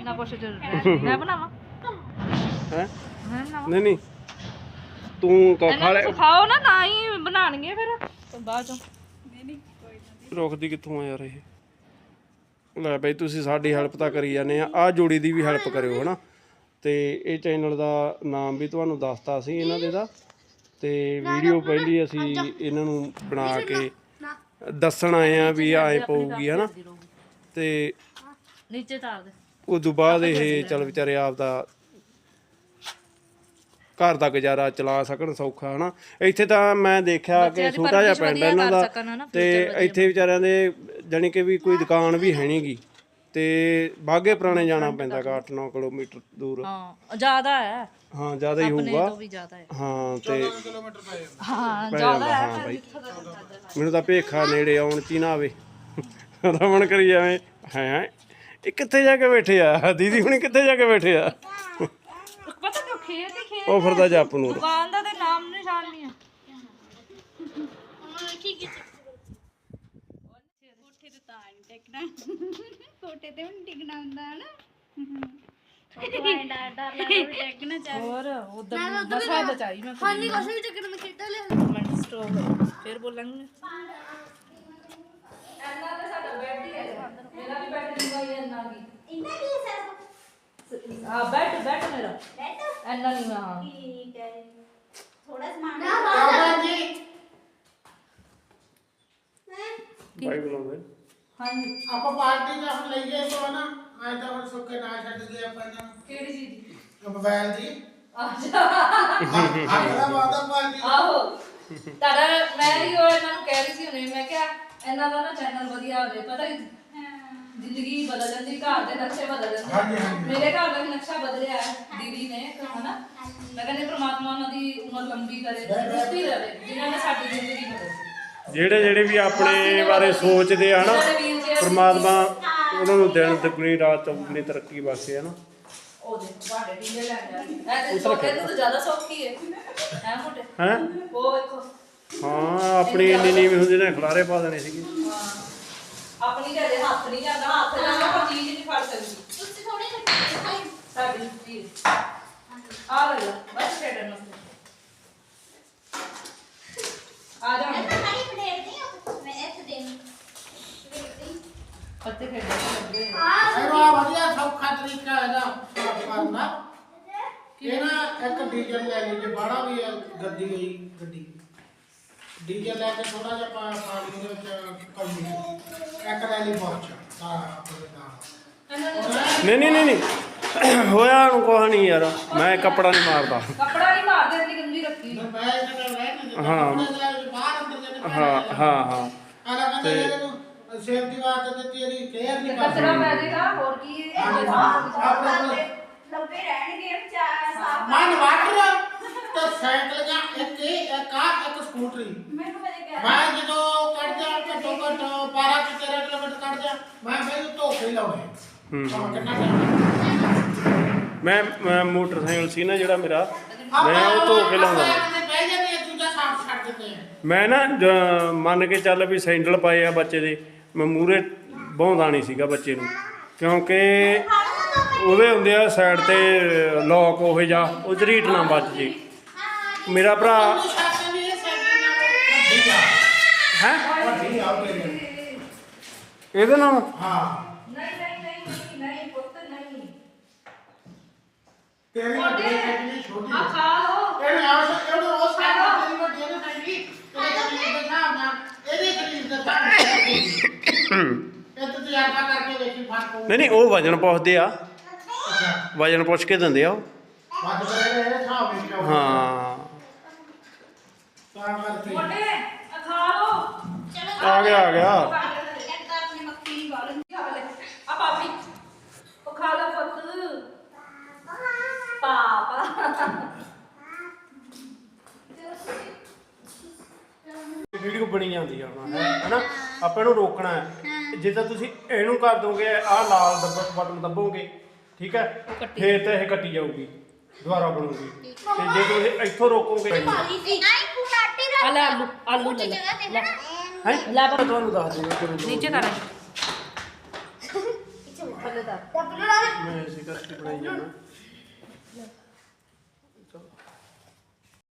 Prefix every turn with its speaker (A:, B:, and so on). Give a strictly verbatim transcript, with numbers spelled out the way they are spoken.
A: ना कुछ मैं बनावा
B: है
A: मैं बनावा
B: नहीं नहीं तू खा ले
A: सिखाओ ना ना ही बनाणगे फिर तो बाद चों नहीं नहीं
B: ਰੁਕਦੀ ਕਿੱਥੋਂ ਆ ਯਾਰ ਇਹ ਲੈ ਬਈ ਤੁਸੀਂ ਸਾਡੀ ਹੈਲਪ ਤਾਂ ਕਰੀ ਜਾਂਦੇ ਆ ਆਹ ਜੋੜੀ ਦੀ ਵੀ ਹੈਲਪ ਕਰਿਓ ਹਨਾ ਤੇ ਇਹ ਚੈਨਲ ਦਾ ਨਾਮ ਵੀ ਤੁਹਾਨੂੰ ਦੱਸਤਾ ਸੀ ਇਹਨਾਂ ਦੇ ਦਾ ਤੇ ਵੀਡੀਓ ਪਹਿਲੀ ਅਸੀਂ ਇਹਨਾਂ ਨੂੰ ਬਣਾ ਕੇ ਦੱਸਣ ਆਏ ਆ ਵੀ ਆਏ ਪਊਗੀ ਹਨਾ ਤੇ
A: नीचे तार दे
B: ਉਸ ਤੋਂ ਬਾਅਦ ਇਹ ਚੱਲ ਵਿਚਾਰੇ ਆਪ ਦਾ ਘਰ ਦਾ ਗੁਜ਼ਾਰਾ ਚਲਾ ਸਕਣ ਸੌਖਾ ਹਨਾ ਇੱਥੇ ਤਾਂ ਮੈਂ ਦੇਖਿਆ ਕਿ ਛੋਟਾ ਜਿਹਾ ਪਿੰਡ ਇਹਨਾਂ ਦਾ ਤੇ ਇੱਥੇ ਵਿਚਾਰਿਆਂ ਦੇ ਜਾਣੀ ਕਿ ਵੀ ਕੋਈ ਦੁਕਾਨ ਵੀ ਹੈ ਨਹੀਂਗੀ ਤੇ ਬਾਗੇ ਪੁਰਾਣੇ ਜਾਣਾ ਪੈਂਦਾ ਗਾ ਅੱਠ ਨੌ ਕਿਲੋਮੀਟਰ ਦੂਰ
A: ਹਾਂ ਜ਼ਿਆਦਾ ਹੈ
B: ਹਾਂ ਜ਼ਿਆਦਾ ਹੀ ਹੋਊਗਾ
A: ਵੀ ਜ਼ਿਆਦਾ ਹੈ
B: ਹਾਂ ਤੇ
A: ਹਾਂ ਜ਼ਿਆਦਾ ਹੈ
B: ਹਾਂ ਬਾਈ ਮੈਨੂੰ ਤਾਂ ਭੇਖਾ ਨੇੜੇ ਆਉਣ ਚ ਹੀ ਨਾ ਆਵੇ ਰਮਣ ਕਰੀ ਜਾਵੇ ਹੈ ਇਹ ਕਿੱਥੇ ਜਾ ਕੇ ਬੈਠੇ ਆ ਦੀਦੀ ਹੁਣੀ ਕਿੱਥੇ ਜਾ ਕੇ ਬੈਠੇ ਆ
A: ਪਤਾ ਕਿਉਂ ਖੇਤ ਹੀ ਖੇਤ
B: ਉਹ ਫਿਰਦਾ ਜੱਪ ਨੂੰ
A: ਦੁਕਾਨ ਦਾ ਤੇ ਨਾਮ ਨਿਸ਼ਾਨ ਨਹੀਂ ਆ
C: ਠੀਕ ਹੈ ਕੋਠੇ ਤੇ ਤਾਂ ਨਹੀਂ ਟਿਕਣਾ ਕੋਠੇ ਤੇ ਵੀ ਟਿਕਣਾ ਹੁੰਦਾ ਹੈ ਨਾ ਡਰ ਡਰ ਲੱਗਦਾ ਵੀ ਟਿਕਣਾ ਚਾਹੀਦਾ
A: ਹੋਰ ਉਧਰ ਮਸਾ ਬਚਾਈ ਮੈਂ
C: ਹਾਂ ਨਹੀਂ ਕੁਛ ਵੀ ਚੱਕਰ ਮੈਂ ਖੇਡਾਂ ਲਿਆ
A: ਮਿੰਟ ਸਟਾਪ ਫਿਰ ਬੋਲਾਂਗੇ ਐਨਾ ਤਾਂ ਸਾਡਾ ਬੈੱਡ ਹੀ ਹੈ ਮੇਰਾ ਵੀ ਬੈੱਡ ਲਿਖਵਾਈ ਐਨਾ ਕੀ
C: ਇੰਨਾ ਕੀ ਸਰ
A: ਆ ਬੈੱਡ ਬੈੱਡ ਮੇਰਾ
C: ਬੈਠੋ
A: ਐਨਾ ਨਹੀਂ ਹਾਂ
C: ਠੀਕ ਹੈ ਥੋੜਾ ਸਮਾਨ ਨਾ ਜੀ
B: ਬਾਈ ਬੁਲਾਉਂਦੇ
A: ਹਾਂਜੀ
D: ਆਪਾਂ ਪਾਰਟੀ ਦਾ ਹੁਣ ਲਈਏ ਤੋਂ ਨਾ ਅੱਜ ਤਾਂ ਹੁਣ ਸੁੱਕੇ ਨਾ ਛੱਡ ਗਏ ਆਪਾਂ ਇਹਨਾਂ ਨੂੰ
A: ਕਿਹੜੀ ਚੀਜ਼ ਦੀ
D: ਮੋਬਾਈਲ ਦੀ
A: ਅੱਛਾ
D: ਆਖਰਾ ਵਾਦਾ ਪਾਰਟੀ
A: ਆਹੋ ਤੁਹਾਡਾ ਮੈਂ ਵੀ ਉਹ ਇਹਨਾਂ ਨੂੰ ਕਹਿ ਰਹੀ ਸੀ ਹੁਣੇ ਮੈਂ ਕਿਹਾ ਇਹਨਾਂ ਦਾ ਨਾ ਚੈਨਲ ਵਧੀਆ ਹੋਵੇ ਪਤਾ ਕਿ ਜ਼ਿੰਦਗੀ ਬਦਲ ਜਾਂਦੀ ਘਰ ਦੇ ਨਕਸ਼ੇ ਬਦਲ ਜਾਂਦੇ
D: ਹਾਂਜੀ, ਹਾਂਜੀ।
A: ਮੇਰੇ ਘਰ ਦਾ ਵੀ ਨਕਸ਼ਾ ਬਦਲਿਆ ਹੈ ਦੀਦੀ ਨੇ ਹਨਾ ਮੈਂ ਕਹਿੰਦੀ ਪ੍ਰਮਾਤਮਾ ਉਹਨਾਂ ਦੀ ਉਮਰ ਲੰਬੀ ਕਰੇ ਤੰਦਰੁਸਤੀ ਰਹੇ ਜਿਨ੍ਹਾਂ ਨੇ ਸਾਡੀ ਜ਼ਿੰਦਗੀ ਬਦਲੀ
B: ਜਿਹੜੇ ਜਿਹੜੇ ਵੀ ਆਪਣੇ ਬਾਰੇ ਸੋਚਦੇ ਆ ਨਾ ਪ੍ਰਮਾਤਮਾ ਉਹਨਾਂ ਨੂੰ ਦਿਨ ਦੁਗਣੀ ਰਾਤ ਚੌਗੁਣੀ ਤਰੱਕੀ ਬਖਸ਼ੇ ਹਨਾ
A: ਉਹ ਦੇ ਤੁਹਾਡੇ ਢੀਲੇ ਲੈ ਜਾ ਇਹ ਤੇ ਛੋਟੇ ਨੂੰ ਤਾਂ ਜ਼ਿਆਦਾ ਸੌਖੀ ਹੈ ਹੈ ਮੋਟੇ
B: ਹੈ
A: ਉਹ ਵੇਖੋ
B: ਹਾਂ ਆਪਣੀ ਇੰਨੀ ਨੀਵੀਂ ਹੁੰਦੀ ਨੇ ਖਲਾਰੇ ਪਾ ਦੇਣੇ ਸੀਗੇ
A: ਹਾਂ ਆਪਣੀ ਦੇ ਹੱਥ ਨਹੀਂ ਜਾਂਦਾ ਹੱਥ ਨਾਲ ਆਪਾਂ ਚੀਜ਼ ਨਹੀਂ ਫੜ ਸਕਦੀ
C: ਤੁਸੀਂ ਥੋੜੇ ਖੱਟੇ ਖਾਈ
A: ਸਾਡੀ ਚੀਜ਼ ਆ ਲੈ ਲਾ ਬਸ ਛੇੜਨ ਨੂੰ ਆ ਜਾ
C: ਮੈਂ ਤਾਂ ਖਾਲੀ ਪਲੇਟ ਨਹੀਂ ਮੈਂ ਇੱਥੇ ਦੇਣੀ
A: ਪੱਤੇ ਖੇਡਣ ਲੱਗੇ
D: ਇਹਦਾ ਵਧੀਆ ਸੌਖਾ ਤਰੀਕਾ ਇਹਦਾ ਸਾਫ਼ ਕਰਨ ਦਾ ਇਹ ਨਾ ਇੱਕ ਡੀਜ਼ਲ ਲੈ ਲਈ ਜੇ ਬਾੜਾ ਵੀ ਹੈ ਗੱਡੀ ਗਈ ਗੱਡੀ ਡੀਜ਼ਲ ਲੈ ਕੇ ਥੋੜਾ ਜਿਹਾ ਪਾ ਪਾਣੀ ਦੇ ਵਿੱਚ ਕਲਮੀ ਇੱਕ ਲੈ ਲਈ ਬਹੁਤ ਸਾਰਾ ਆਪਣੇ ਦਾ
B: ਨਹੀਂ ਨਹੀਂ ਨਹੀਂ ਨਹੀਂ ਹੋਇਆ ਨੂੰ ਕੁਛ ਨਹੀਂ ਯਾਰ ਮੈਂ ਕੱਪੜਾ ਨਹੀਂ ਮਾਰਦਾ
A: ਕੱਪੜਾ ਨਹੀਂ ਮਾਰਦੇ ਇੰਨੀ ਗੰਦੀ ਰੱਖੀ
D: ਮੈਂ ਇਹਦਾ ਰਹਿ ਨਾ
B: ਹਾਂ।
D: ਬਾਹਰ ਅੰਦਰ ਜਿਹੜੇ
B: ਹਾਂ ਹਾਂ ਹਾਂ
D: ਆਲਾ ਕਹਿੰਦੇ ਇਹਨੂੰ ਸੇਫਟੀ ਵਾਸਤੇ ਤੇ ਤੇਰੀ ਕੇਅਰ ਨਹੀਂ
A: ਕਚਰਾ
D: ਕਰਦੀ
A: ਪੈ ਜਾਏਗਾ ਹੋਰ ਕੀ
D: ਆਪਣੇ
C: ਲੰਬੇ ਰਹਿਣਗੇ ਚਾਰ ਸਾਫ
D: ਮਨ ਵਾਟਰ ਤੇ ਸਾਈਕਲ ਜਾਂ ਇੱਕ ਇਹ ਇੱਕ ਆ ਇੱਕ ਸਕੂਟਰੀ
C: ਮੈਨੂੰ ਮੇਰੇ ਕਹਿ
D: ਮੈਂ ਜਦੋਂ ਕੱਢ ਜਾ ਘੱਟੋ ਘੱਟ ਬਾਰਾਂ ਤੋਂ ਤੇਰਾਂ ਕਿਲੋਮੀਟਰ ਕੱਢ ਜਾ ਮੈਂ ਮੈਨੂੰ ਧੋਖੇ ਹੀ ਲਾਉਣੇ
B: ਹੂੰ।
D: ਹਾਂ ਕਿੰਨਾ time?
B: ਮੈਂ ਮੈਂ ਮੋਟਰਸਾਈਕਲ ਸੀ ਨਾ ਜਿਹੜਾ ਮੇਰਾ ਮੈਂ ਉਹ ਧੋ ਕੇ ਲਾਉਂਦਾ
D: ਆਪਾਂ ਕਿਤੇ ਬਹਿ ਜਾਂਦੇ ਆ ਦੂਜਾ ਸਾਫ ਛੱਡ ਦਿੰਦੇ ਆ
B: ਮੈਂ ਨਾ ਜ- ਮੰਨ ਕੇ ਚੱਲ ਵੀ ਸੈਂਡਲ ਪਾਏ ਆ ਬੱਚੇ ਦੇ ਮੈਂ ਮੂਹਰੇ ਬਹੁੰਦਾ ਨਹੀਂ ਸੀਗਾ ਬੱਚੇ ਨੂੰ ਕਿਉਂਕਿ ਉਹਦੇ ਹੁੰਦੇ ਆ ਸਾਈਡ ਤੇ ਲੋਕ ਉਹ ਜਾ ਉਹ ਝਰੀਟ ਨਾ ਵੱਜ ਜੇ ਮੇਰਾ ਭਰਾ
D: ਉਹਨੂੰ ਛੱਡ ਵੀ ਇਹ ਸਾਈਕਲ ਨਾਲ ਵੱਡੀ ਆ
B: ਹੈ
D: ਵੱਡੀ ਆ ਤੇਰੀ
B: ਇਹਦੇ ਨਾਲ
D: ਹਾਂ
A: ਨਹੀਂ ਨਹੀਂ ਨਹੀਂ ਨਹੀਂ ਪੁੱਤ ਨਹੀਂ
D: ਤੇਰੀ ਵੱਡੀ ਸਾਈਕਲ ਛੋਟੀ
A: ਆ ਖਾ ਲੋ
D: ਇਹਨੇ ਆਸ ਇਹਨੂੰ ਉਹ ਸਾਈਕਲ ਤੇਰੀ ਵੱਡੀ ਇਹਨੇ ਸਾਈਕਲ ਤੇਰੇ ਕਰੀਬ ਦੇ ਹਿਸਾਬ ਨਾਲ ਇਹਦੇ ਕਰੀਬ ਦੇ ਹਿਸਾਬ ਨਾਲ ਇਹ ਤੂੰ ਤਜਰਬਾ ਕਰਕੇ ਵੇਖੀ ਫਰਕ ਹੋਊ
B: ਨਹੀਂ ਨਹੀਂ ਉਹ ਵਜਨ ਪੁੱਛਦੇ ਆ ਵਜਨ ਪੁੱਛ ਕੇ ਦਿੰਦੇ ਆ ਉਹ
D: ਵੱਧ ਕਰੇ ਇਹਦੇ ਹਿਸਾਬ ਵਿੱਚ ਆਊ।
B: ਹਾਂ
D: ਤਾਂ ਕਰਕੇ
A: ਮੋਟੇ ਆ ਖਾ ਲੋ
B: ਆ ਗਿਆ ਆ ਗਿਆ
C: ਇੱਕ ਤਾਂ ਆਪਣੀ ਮੱਖੀ ਨਹੀਂ ਵਾਲ
A: ਖਾ ਲੈ ਆ ਪਾਪੀ ਉਹ ਖਾ ਲੈ ਪੁੱਤ ਪਾਪਾ
B: ਵੀਡੀਓ ਬਣੀ ਜਾਂਦੀ ਆ ਹੁਣ ਹੈਨਾ ਆਪਾਂ ਇਹਨੂੰ ਰੋਕਣਾ ਹੈ ਜੇ ਤਾਂ ਤੁਸੀਂ ਇਹਨੂੰ ਕਰ ਦੋਗੇ ਆਹ ਲਾਲ ਬਟਨ ਦੱਬੋਗੇ ਠੀਕ ਹੈ ਫੇਰ ਤਾਂ ਇਹ ਕੱਟੀ ਜਾਊਗੀ ਦੁਬਾਰਾ ਬਣੂਗੀ ਤੇ ਜੇ ਤੁਸੀਂ ਇੱਥੋਂ ਰੋਕੋਗੇ
C: ਪਾਲੀ ਸੀ ਨਹੀਂ ਫੁਟਾਟੀ
A: ਆ ਲੈ ਆਲੂ ਆਲੂ ਲੈ ਲੈ ਲੈ
B: ਹੈ ਲੈ ਤੁਹਾਨੂੰ ਦੱਸ ਦਿੰਦਾ ਕਿਵੇਂ
A: नीचे कर ਥੱਲੇ ਤਾਂ
B: ਮੈਂ ਇਸੇ ਕਰਕੇ ਬਣਾਈ ਜਾਣਾ। ਚਲੋ